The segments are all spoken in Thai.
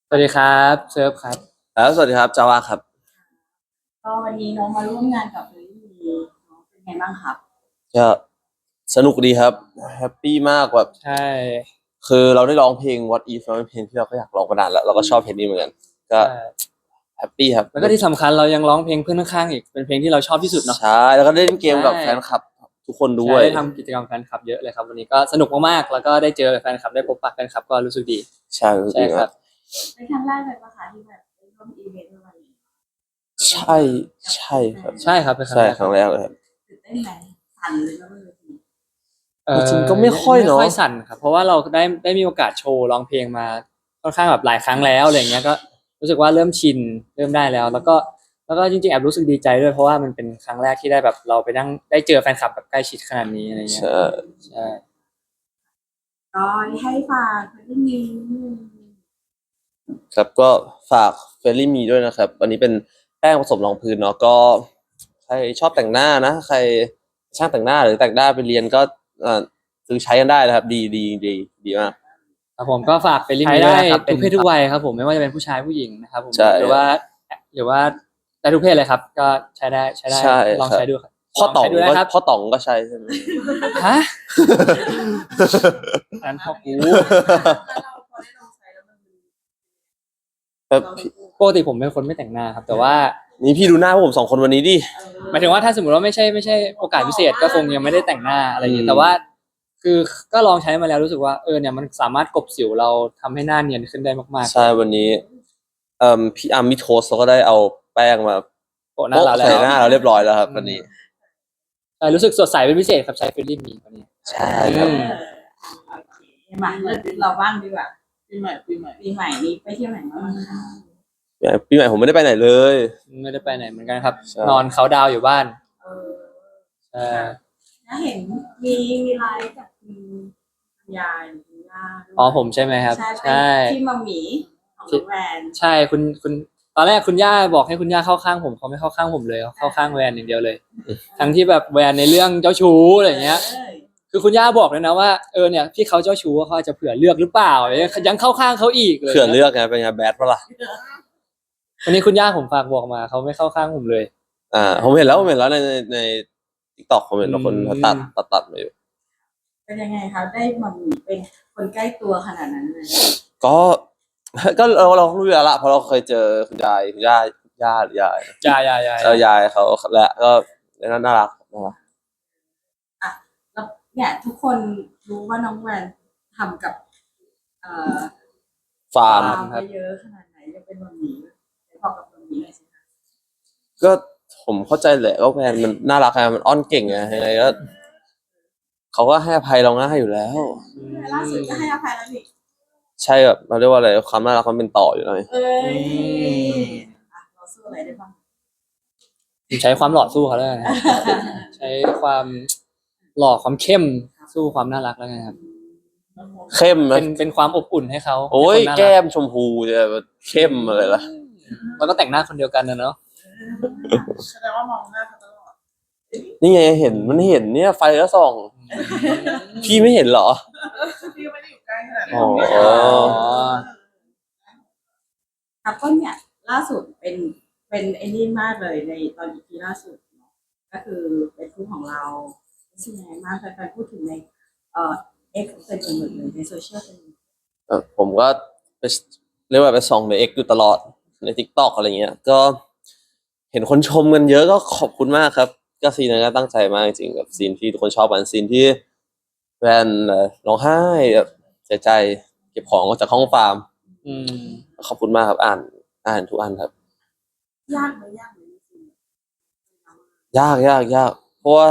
สวัสดีครับเซิร์ฟครับแล้วสวัสดีครับจาวาครับก็วันนี้น้องมาร่วมงานกับเฟรนนี่น้องเป็นไงบ้างครับก็สนุกดีครับแฮปปี้มากแบบใช่คือเราได้ร้องเพลง What If มันเป็นเพลงที่เราก็อยากร้องมานานแล้วเราก็ชอบเพลงนี้เหมือนกันก็ใช่แฮปปี้ครับแล้วก็ที่สำคัญเรายังร้องเพลงเพื่อนข้างๆอีกเป็นเพลงที่เราชอบที่สุดเนาะใช่แล้วก็ได้เล่นเกมกับใช่แฟนคลับทุกคนด้ใช่วยได้ทำกิจกรรมแฟนคลับเยอะเลยครับวันนี้ก็สนุกมากๆแล้วก็ได้เจอแฟนคลับได้พบปะแฟนคลับก็รู้สึกดีใช่รู้สึกใช่ดีมากครับเป็นครั้งแรกเลยปะคะที่แบบได้ร่วมอีเวนต์อะไรอย่างเงี้ยใช่ใช่ครับใช่ครับเป็นครั้งใช่แรกครับครั้งแรกเลยครับตื่นเต้นไหมสั่นเลยก็ไม่รู้ทีจริงๆก็ไม่ค่อยเนอะไม่ค่อยสั่นครับเพราะว่าเราได้มีโอกาสโชว์ร้องเพลงมาค่อนข้างแบบหลายครั้งแล้วอะไรเงี้ยก็รู้สึกว่าเริ่มชินเริ่มได้แล้วแล้วก็จริงๆแอบรู้สึกดีใจด้วยเพราะว่ามันเป็นครั้งแรกที่ได้แบบเราไปนั่งได้เจอแฟนคลับแบบใกล้ชิดขนาดนี้อะไรเงี้ยใช่ใช่ก็ให้ฝากเฟรนนี่ครับก็ฝากเฟรนลี่มีด้วยนะครับอันนี้เป็นแป้งผสมรองพื้นเนาะก็ใครชอบแต่งหน้านะใครช่างแต่งหน้าหรือแต่งหน้าไปเรียนก็ซื้อใช้กันได้นะครับดีมากผมก็ฝากไปรีวิวได้ทุกเพศทุกวัยครับผมไม่ว่าจะเป็นผู้ชายผู้หญิงนะครับผมใช่หรือว่าได้ทุกเพศเลยครับก็ใช้ได้ใช่ลองครับใช้ดูครับพ่อต๋องลใช้ดูนะครับพ่อต๋องก็ใช้ใช่ไหมฮะอันนั้นพ่อกูเราพอได้ลองใช้แล้วมันแบบปกติผมเป็นคนไม่แต่งหน้าครับแต่ว่านี่พี่ดูหน้าพวกผมสองคนวันนี้ดิหมายถึงว่าถ้าสมมติว่าไม่ใช่โอกาสพิเศษก็คงยังไม่ได้แต่งหน้าอะไรอย่างเงี้ยแต่ว่าคือก็ลองใช้มาแล้วรู้สึกว่าเนี่ยมันสามารถกลบสิวเราทำให้หน้าเนียนขึ้นได้มากใช่วันนี้พี่อาร์มมิโทสเขาก็ได้เอาแป้งมาๆโปะหน้าเราแล้ใส่วหน้าเราเรียบร้อยแล้วครับวันนี้ใช่รู้สึกสดใสเป็นพิเศษครับใช้ฟิลลิ่งนี้วันนี้ใช่ครับมาเริ่มเราบ้างดีกว่าปีใหม่นี้ไปเที่ยวไหนมาบ้างคะปีใหม่ผมไม่ได้ไปไหนเลยไม่ได้ไปไหนเหมือนกันครับใช่นอนเขาน์ดาวน์อยู่บ้านเออใช่ถ้าเห็นมีไลฟ์กับคุณยายคุณย่าด้วยอ๋อผมใช่ไหมครับใช่ใช่ที่มัมหมี่ของน้องแวนใช่คุณตอนแรกคุณย่าบอกให้คุณย่าเข้าข้างผมเขาไม่เข้าข้างผมเลยเขาเข้าข้างแวนอย่างเดียวเลยทั้งที่แบบแวนในเรื่องเจ้าชู้อะไรอย่างเงี้ยคือคุณย่าบอกเลยนะว่าเนี่ยพี่เขาเจ้าชู้เขาอาจจะเผื่อเลือกหรือเปล่ายังเข้าข้างเขาอีกเลยเผื่อเลือกไงเป็นไงแบดปะล่ะวันนี้คุณย่าผมฝากบอกมาเขาไม่เข้าข้างผมเลยผมเห็นแล้วในทิกตอกผมเห็นแล้วคนเขาตัดมาอยู่เป็นยังไงคะได้มัมหมี่เป็นคนใกล้ตัวขนาดนั้นเลยก็ก็เรารู้อยู่แล้วละเพราะเราเคยเจอคุณยายคุณย่าหรือยายยายเขาและก็น่ารักนะครับแล้วเนี่ยทุกคนรู้ว่าน้องแวนทำกับเอ่อฟาร์มไปเยอะขนาดไหนจะเป็นมัมหมี่บอกกับมัมหมี่หน่อยสิคะก็ผมเข้าใจแหละว่าแฟนมันน่ารักไงมันอ้อนเก่งไงยังไงก็เขาก็ให้อภัยเราง่ายอยู่แล้วล่าสุดก็ให้อภัยแล้วนี่ใช่แบบเราเรียกว่าอะไรความน่ารักมันเป็นต่ออยู่เลยเอ้ยเราสู้อะไรได้บ้างใช้ความหล่อสู้เขาแล้วกันครับใช้ความหล่อความเข้มสู้ความน่ารักแล้วกันครับเข้มนะเป็นความอบอุ่นให้เขาโอ้ยให้คนน่ารัแก้มชมพูจะเข้มอะไรล่ะแล้วก็แต่งหน้าคนเดียวกันนะเนาะแสดงว่ามองหน้าเขาตลอดนี่ไงเห็นมันเห็นเนี่ยไฟก็ส่องพี่ไม่เห็นเหรอพี่ไม่ได้อยู่ใกล้ขนาดอ๋นั้นอครับก็เนี่ยล่าสุดเป็นไอ้นี่มากเลยในตอน EP ล่าสุดเนาะก็คือเป็นคู่ของเรารู้สึกยังไงมากแฟนๆพูดถึงในX เป็นเหมือนเลยในโซเชียลเป็นผมก็ไปเรียกว่าไปส่องในเอ็กอยู่ตลอดใน TikTok อะไรเงี้ยก็เห็นคนชมกันเยอะก็ขอบคุณมากครับก็ซีนนั้นก็ตั้งใจมากจริงๆกับซีนที่ทุกคนชอบกันซีนที่แฟนร้องไห้แบบเสียใจเก็บของออกจากห้องฟาร์มอืมขอบคุณมากครับอ่านทุกอันครับยากไหมจริงยากเพราะว่า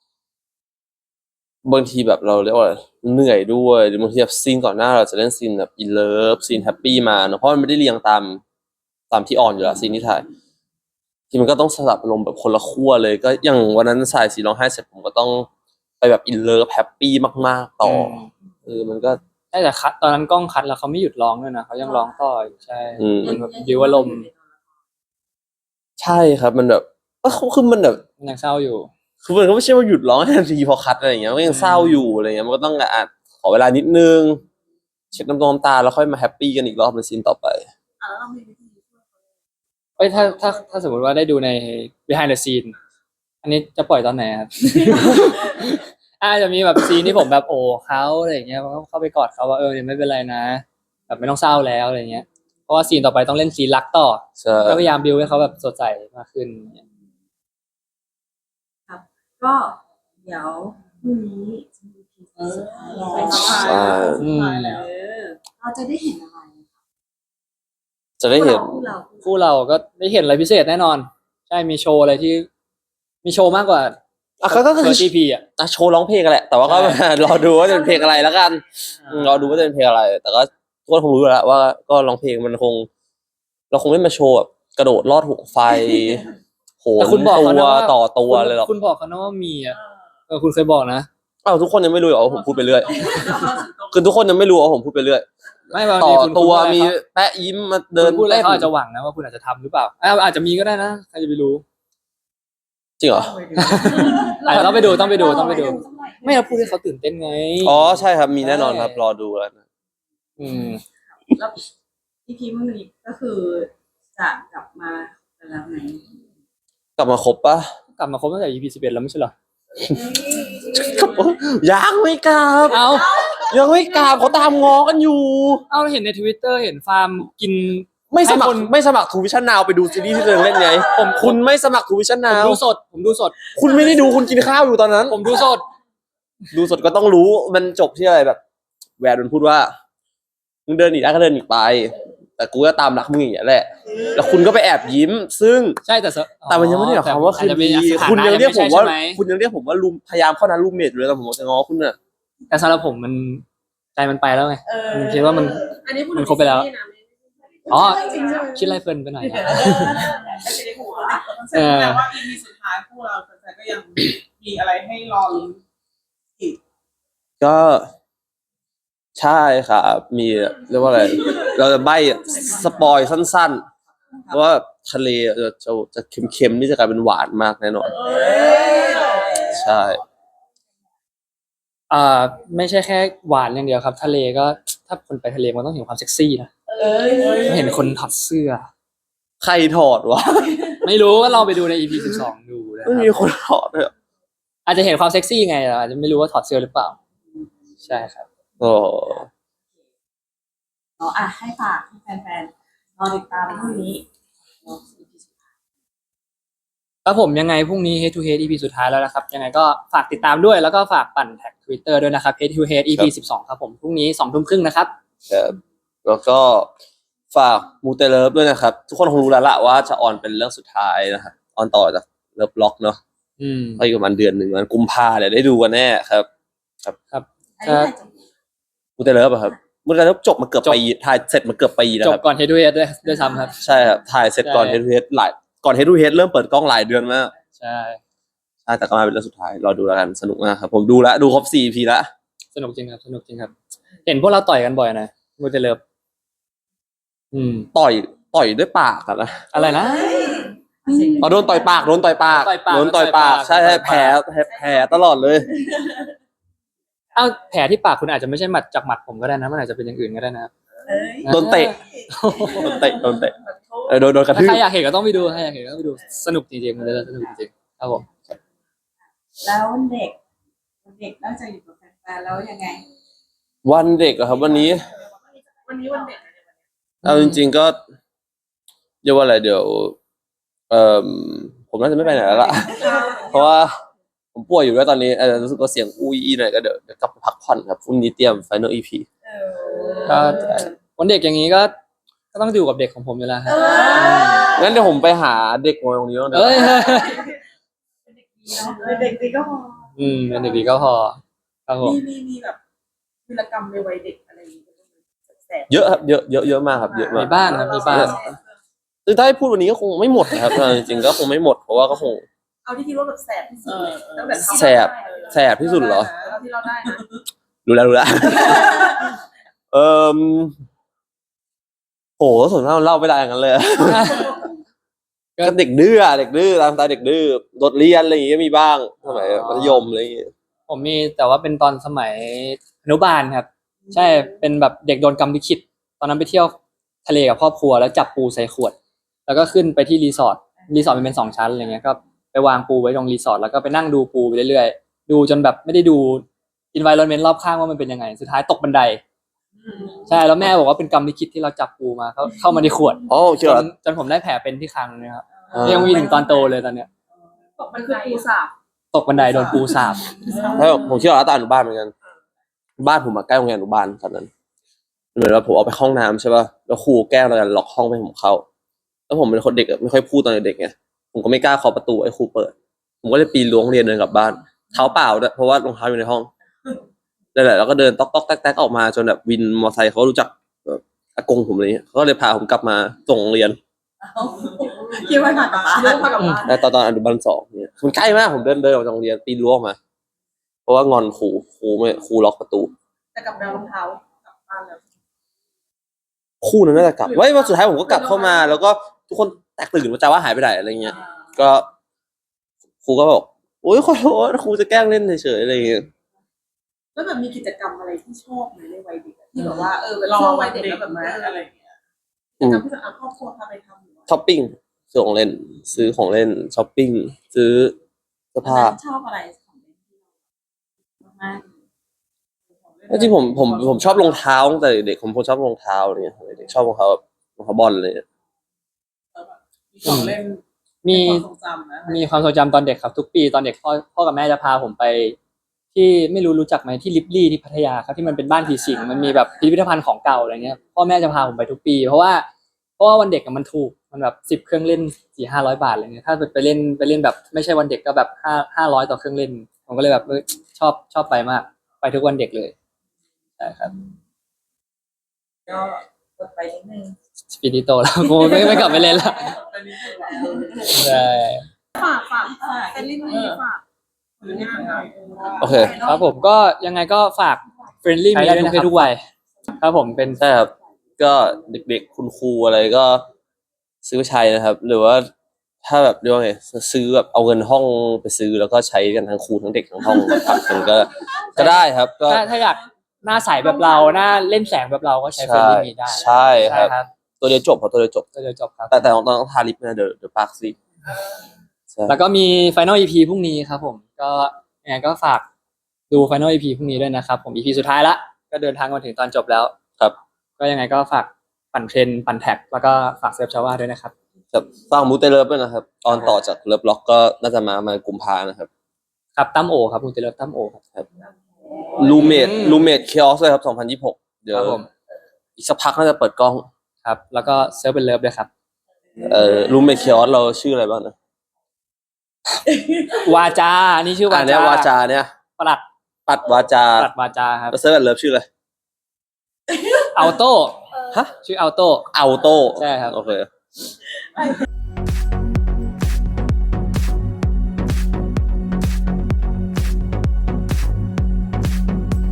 บางทีแบบเราเรียกว่าอะไรเหนื่อยด้วยหรือบางทีแบบซีนก่อนหน้าเราจะเล่นซีนแบบอินเลิฟซีนแฮปปี้มาเนอะเพราะมันไม่ได้เรียงตามที่ออนอยู่แล้วซีนที่ถ่ายที่มันก็ต้องสลับอารมณ์แบบคนละขั้วเลยก็อย่างวันนั้นสายสีร้องไห้เสร็จผมก็ต้องไปแบบอินเลิฟแฮปปี้มากๆต่อมันก็แต่คัดตอนนั้นกล้องคัดแล้วเขาไม่หยุดร้องด้วยนะเขายังร้องต่ออีกใช่ มันแบบบิวอารมณ์ใช่ครับมันแบบคือมันแบบมันยังเศร้าอยู่คือมันก็ไม่ใช่ว่าหยุดร้องทันทีพอคัดอะไรอย่างเงี้ยมันก็ยังเศร้าอยู่อะไรเงี้ยมันก็ต้องขอเวลานิดนึงเช็ดน้ำตาแล้วค่อยมาแฮปปี้กันอีกรอบในซีนต่อไปแล้วเรามีวิธีช่วยเขาเอ้ยถ้าสมมติว่าได้ดูใน behind the scene อันนี้จะปล่อยตอนไหนครับ อาจจะมีแบบซีนที่ผมแบบโอ้เขาอะไรอย่างเงี้ยเข้าไปกอดเขาว่าเนี่ยไม่เป็นไรนะแบบไม่ต้องเศร้าแล้วอะไรเงี้ยเพราะว่าซีนต่อไปต้องเล่นซีนรักต่อใช่ก็พยายามบิวให้เขาแบบสดใสมากขึ้นก็เดี๋ยวพรุ่งนี้จะมีพีเออไปสบายใช่แล้วเราจะได้เห็นอะไรจะได้เห็นคู่เราคู่เราก็ได้เห็นอะไรพิเศษแน่นอน ใช่มีโชว์อะไรที่มีโชว์มากกว่าก็คือทีพีอ่ะโชว์ร้องเพลงกันแหละ แต่ว่าก็ใช่รอดูว่าจะเป็นเพลงอะไรแล้วกันรอดูว่าจะเป็นเพลงอะไร แต่ก็ทุกคนคงรู้อยู่แล้วว่าก็ร้องเพลงมันคง เราคงไม่มาโชว์แบบกระโดดลอดหุบไฟโหแต่นคุณบอกตัเขาวนะว่าต่อตัวเลยหรอกคุณบอกเขานะว่ามีอ่ะคุณเคยบอกนะอ้าวทุกคนยังไม่รู้เหรอว่าผมพูดไปเรื่อยคือทุกคนยังไม่รู้ว่าผมพูดไปเรื่อยไม่บางต่ทีอคุณตัวพูดอะไรมีเขาแปะยิ้มมาเดิคุนณพูดอะไรเต้นเขาอาจจะหวังนะว่าคุณอาจจะทำหรือเปล่าอาจจะมีก็ได้นะใครจะไปรู้จริงเหรออาจจะต้องไปดูไม่เราพูดให้เขาตื่นเต้นไงอ๋อใช่ครับมีแน่นอนครับรอดูแล้วนะอืมแล้วอีพีพรุ่งนี้ก็คือจะกลับมาแล้วไหนกลับมาครบปะกลับมาครบตั้งแต่ EP 11แล้วไม่ใช่เหรอยังไม่กลับเอายังไม่กลับเขาตามง้อกันอยู่เอาเห็นใน Twitter เห็นฟาร์มกินไม่สมัคให้รคนไม่สมัครทูวิชั่นนาวไปดูซีรีส์ที่ตัวเองเล่นไงคุณไม่สมัครทูวิชั่นผนามวดูสด ผมดูสดคุณไม่ได้ดูคุณกินข้าวอยู่ตอนนั้นผมดูสดดูสดก็ต้องรู้มันจบที่อะไรแบบ แวนมันพูดว่ามึงเดินหนีได้ก็เดินหนีไป แต่กูก็ตามรักมึงอย่างเงี้ยแหละ แล้วคุณก็ไปแอบยิ้ม ซึ่งใช่แต่มันยังไม่ได้หมายความว่าคืนดีคุณยังเรียกผมว่า คุณยังเรียกผมว่าลุมพยายามเข้านั้นรูมเมทอยู่เลยแต่ผมบอกจะง้อคุณน่ะแต่สำหรับผมมันใจมันไปแล้วไง มันคิดว่ามันอันนี้พูดมันครบไปแล้ว อ๋อจริงใช่ไหมคิดอะไรเพลินไปหน่อยนะไม่ใช่ในหัวแสดงว่า EP สุดท้ายพวกเราแฟนๆก็ยังมีอะไรให้รอลุ้นก็ใช่ครับมีเรียกว่าอะไร เราจะใบ้สปอยสั้นๆว่าทะเลจะเค็มๆนี่จะกลายเป็นหวานมากแน่นอน ใช่ไม่ใช่แค่หวานอย่างเดียวครับ ทะเลก็ถ้าคนไปทะเลมันต้องเห็นความเซ็กซี่นะต้องเห็นคนถอดเสื้อใครถอดวะไม่รู้ก็ลองไปดูใน EP 12ดูนะคไม่รับมีคนถอดเลยเหรออาจจะเห็นความเซ็กซี่ไงแต่อาจจะไม่รู้ว่าถอดเสื้อหรือเปล่า ใช่ครับโอ้เนาะให้ฝากให้แฟนๆรอติดตามพรุ่งนี้เนาะ EP สุดท้ายครับผมยังไงพรุ่งนี้ Head to Head EP สุดท้ายแล้วนะครับ ยังไงก็ฝากติดตามด้วยแล้วก็ฝากปั่นแท็ก Twitter ด้วยนะครับ Head to Head EP 12ครับผมพรุ่งนี้ 20:30 นะครับครับแล้วก็ฝากมูเตเลิฟด้วยนะครับ ทุกคนคงรู้แล้วละว่าจะออนเป็นเรื่องสุดท้ายนะครับออนต่อจากเลิฟล็อกเนาะอืมก็อีกประมาณเดือนหนึ่งวันกุมภาเดี๋ยวได้ดูกันแน่ครับอันนี้ใครจะมูเตเลิฟอะครับมูเตเลิฟจบมาเกือบปีถ่ายเสร็จมาเกือบปีนะจคบรับก่อน Head to Head ด้วยซ้ำครับใช่ครับถ่ายเสร็จก่อนใช่เฮดทูเฮดก่อนเฮดทูเฮดเริ่มเปิดกล้องหลายเดือนมากใช่ใช่แต่ก็มาเป็นเรื่องสุดท้ายรอดูแล้วกันสนุกมากครับผมดูแล้วดูครบ4 EP แล้วสนุกจริงครับ สนุกจริงครับ เห็นพวกเราต่อยกันบ่อยนะมูเตเลิฟต่อยด้วยปากอะนะอะไรนะโดนต่อยปากโดนต่อยปากต่อยปากโดนต่อยปากต่อยปากใช่ต่อยปากแผลตลอดเลยอ้าวแผลที่ปากคุณอาจจะไม่ใช่หมัดจากหมัดผมก็ได้นะมันอาจจะเป็นอย่างอื่นก็ได้นะครับโดนเตะ โดนเตะโดนกระถ้าทืบใครอยากเห็นก็ต้องไปดูใครอยากเห็นก็ต้องไปดูสนุกจริงๆมันเลยสนุกจริงๆครับผมแล้วเด็กนอกจากอยู่กับแฟนๆแล้วยังไงวันเด็กอะครับวันนี้วันนี้วันเด็กนะเอาจริงๆก็เรียกว่าอะไรเดี๋ยวผมน่าจะไม่ไปไหนแล้วล่ะ เพราะว่าผมป่วยอยู่ด้วยตอนนี้รู้สึกว่าเสียงอุ้ยหน่อยก็เดี๋ยวกลับไปพักผ่อนครับพรุ่งนี้เตรียม Final EP ก็วันเด็กอย่างนี้ก็ต้องอยู่กับเด็กของผมอยู่แล้วครับงั้นเดี๋ยวผมไปหาเด็กมาตรงนี้บ้างเดี๋ยวเอ้ยเด็กดีก็พอเป็นเด็กดีก็พอครับผมมีแบบวีรกรรมในวัยเด็กอะไรอย่างเงี้ยแสบเยอะครับเยอะมากครับเยอะมามีกบ้างครับมีบ้างคือถ้าให้พูดวันนี้ก็คงไม่หมดนะครับจริงๆก็คงไม่หมดเพราะว่าก็คงเอาที่คิดว่าแบบแสบที่สุดเลยตั้งแต่ทำแสบที่สุดเหรอเอาที่เราได้นะรู้แล้ว โหส่วนมากเล่าไม่ได้อย่างนั้นเลยก็ก็เด็กดื้ออะเด็กดื้อตามสไตล์เด็กดื้อโดดเรียนอะไรอย่างเงี้ยมีบ้างสมัยมัธยมอะไรอย่างเงี้ยผมมีแต่ว่าเป็นตอนสมัยอนุบาลครับ ใช่เป็นแบบเด็กโดนกรรมลิขิตตอนนั้นไปเที่ยวทะเลกับครอบครัวแล้วจับปูใส่ขวด แล้วก็ขึ้นไปที่รีสอร์ทมันเป็น2 ชั้นอะไรเงี้ยก็ไปวางปูไว้ตรงรีสอร์ทแล้วก็ไปนั่งดูปูไปเรื่อยๆดูจนแบบไม่ได้ดู environment รอบข้างว่ามันเป็นยังไงสุดท้ายตกบันไดใช่แล้วแม่บอกว่าเป็นกรรมลิขิตที่เราจับปูมาเข้ามาในขวดอ๋อเชื่อจนผมได้แผลเป็นที่คางนะครับยังมีถึงตอนโตเลยตอนเนี้ยมันคือปูสาบตกบันไดโดนปูสาบแล้วผมเชื่อว่าตอนอนุบาลเหมือนกันบ้านผมใกล้โรงเรียนอนุบาลตอนนั้นเหมือนว่าผมเอาไปห้องน้ำใช่ป่ะแล้วครูแกล้งเราล็อกห้องไม่ให้ผมเข้าแล้วผมเป็นคนเด็กไม่ค่อยพูดตอนเด็กไงผมก็ไม่กล้าเคาะประตูให้ครูเปิดผมก็เลยปีนรั้วโรงเรียนเดินกลับบ้านเท้าเปล่าด้วยเพราะว่ารองเท้าอยู่ในห้องนั่นแหละแล้วก็เดินต๊อกแต๊กออกมาจนแบบวินมอเตอร์ไซค์เขารู้จักแบบอากงผมเลยเขาก็เลยพาผมกลับมาส่งโรงเรียนคิดว่าหนักกว่าบ้านเรื่องพากับบ้านแต่ตอนอนุบาล2เนี่ยมันใกล้มากผมเดินออกจากโรงเรียนปีนรั้วออกมา เพราะว่างอนครูล็อกประตูแต่กับแมวรองเท้ากลับบ้านแล้วคู่นั้นน่าจะกลับไว้วันสุดท้ายผมก็กลับเข้ามา แล้วก็ทุกคนแตกตื่นว่าจะว่าหายไปไหนอะไรเงี้ย ก็ครูก็บอกโอ๊ยขอโทษครูจะแกล้งเล่นเฉยๆอะไรเงี้ยแล้วแบบมีกิจกรรมอะไรที่ชอบไหมในวัยเด็กที่แบบว่าเป็นรอช่วงวัวัยยเด็เด็กกแล้วแบบมาอะไรอย่างเงี้ยกิจกรรมที่จะเอาครอบครัวพาไปทำหรือว่าช้อปปิ้งซื้อของเล่น ซื้อของเล่นช้อปปิ้งซื้อเสื้อผ้าชอบอะไรของเล่นที่เรามากจริงๆผมชอบรองเท้าตั้งแต่เด็กผมชอบรองเท้าอะไรเงี้ยเด็กชอบรองเท้าแบบรองเท้าบอลเลยมีของเล่นมีความทรงจำนะมีความทรงจำตอนเด็กครับทุกปีตอนเด็กพ่อกับแม่จะพาผมไป ที่ไม่รู้จักไหมที่ลิฟลี่ที่พัทยาครับที่มันเป็นบ้านผีสิงมันมีแบบพิพิธภัณฑ์ของเก่าอะไรเงี้ยพ่อแม่จะพาผมไปทุกปี เพราะว่าวันเด็กอะมันถูกมันแบบ10 เครื่องเล่น400-500 บาทอะไรเงี้ยถ้าไปเล่นแบบไม่ใช่วันเด็กก็แบบ500ต่อเครื่องเล่นผมก็เลยแบบชอบไปมากไปทุกวันเด็กเลยใช่ครับก็กดไปนิดนึงปีนี้โตแล้ว กูไม่กลับไปเล่นแล้วเป็นนิดนึงว่ะใช่ฝากเป็นลิ้นมือฝากหรืองานหน่อยโอเคครับผมก็ยังไงก็ฝาก friendly มีด้วยนะครับทุกวัยครับผมเป็นใช่ครับก็เด็กๆคุณครูอะไรก็ซื้อไปใช้นะครับ หรือว่าถ้าแบบเรียกว่าไงซื้อแบบเอาเงินห้องไปซื้อแล้วก็ใช้กันทั้งครูทั้งเด็กทั้งห้องผัดกันก็ได้ครับก็ถ้าอยากหน้าใสแบบเราหน้าเล่นแสงแบบเราก็ใช้ friendly มีได้ใช่ครับครับตัวเดียวจบตัวเดียวจบก็จะจบครับแต่ต้องทาลิปนะเดี๋ยวปากซีดใช่แล้วก็มี final EP พรุ่งนี้ครับผมก็ยังไงก็ฝากดู final EP พรุ่งนี้ด้วยนะครับผม EP สุดท้ายละก็เดินทางมาถึงตอนจบแล้วครับก็ยังไงก็ฝากปั่นเทรนปั่นแท็กแล้วก็ฝากเซฟชาวาด้วยนะครับครับฟังมูเตเลิฟด้วยนะครับ ตอนต่อจากเลิฟล็อกก็น่าจะมากุมภานะครับครับตั้มโอครับคุณเจริญตั้มโอครับลูเมดเคออสเลยครับ2026เดี๋ยวครับผมอีกสักพักน่าจะเปิดกล้องครับแล้วก็เซิร์ฟเป็นเลิฟด้วยครับลูเมดเคออสเราชื่ออะไรบ้างนะวาจาอันนี้ชื่อวาเนี้จายวาจาเนี่ยปลัดปัดวาจาปลัดวาจาครับแล้วเซิร์ฟเลิฟชื่ออะไรอัลโต้ฮะชื่ออัลโต้อัลโต้ใช่ครับโอเค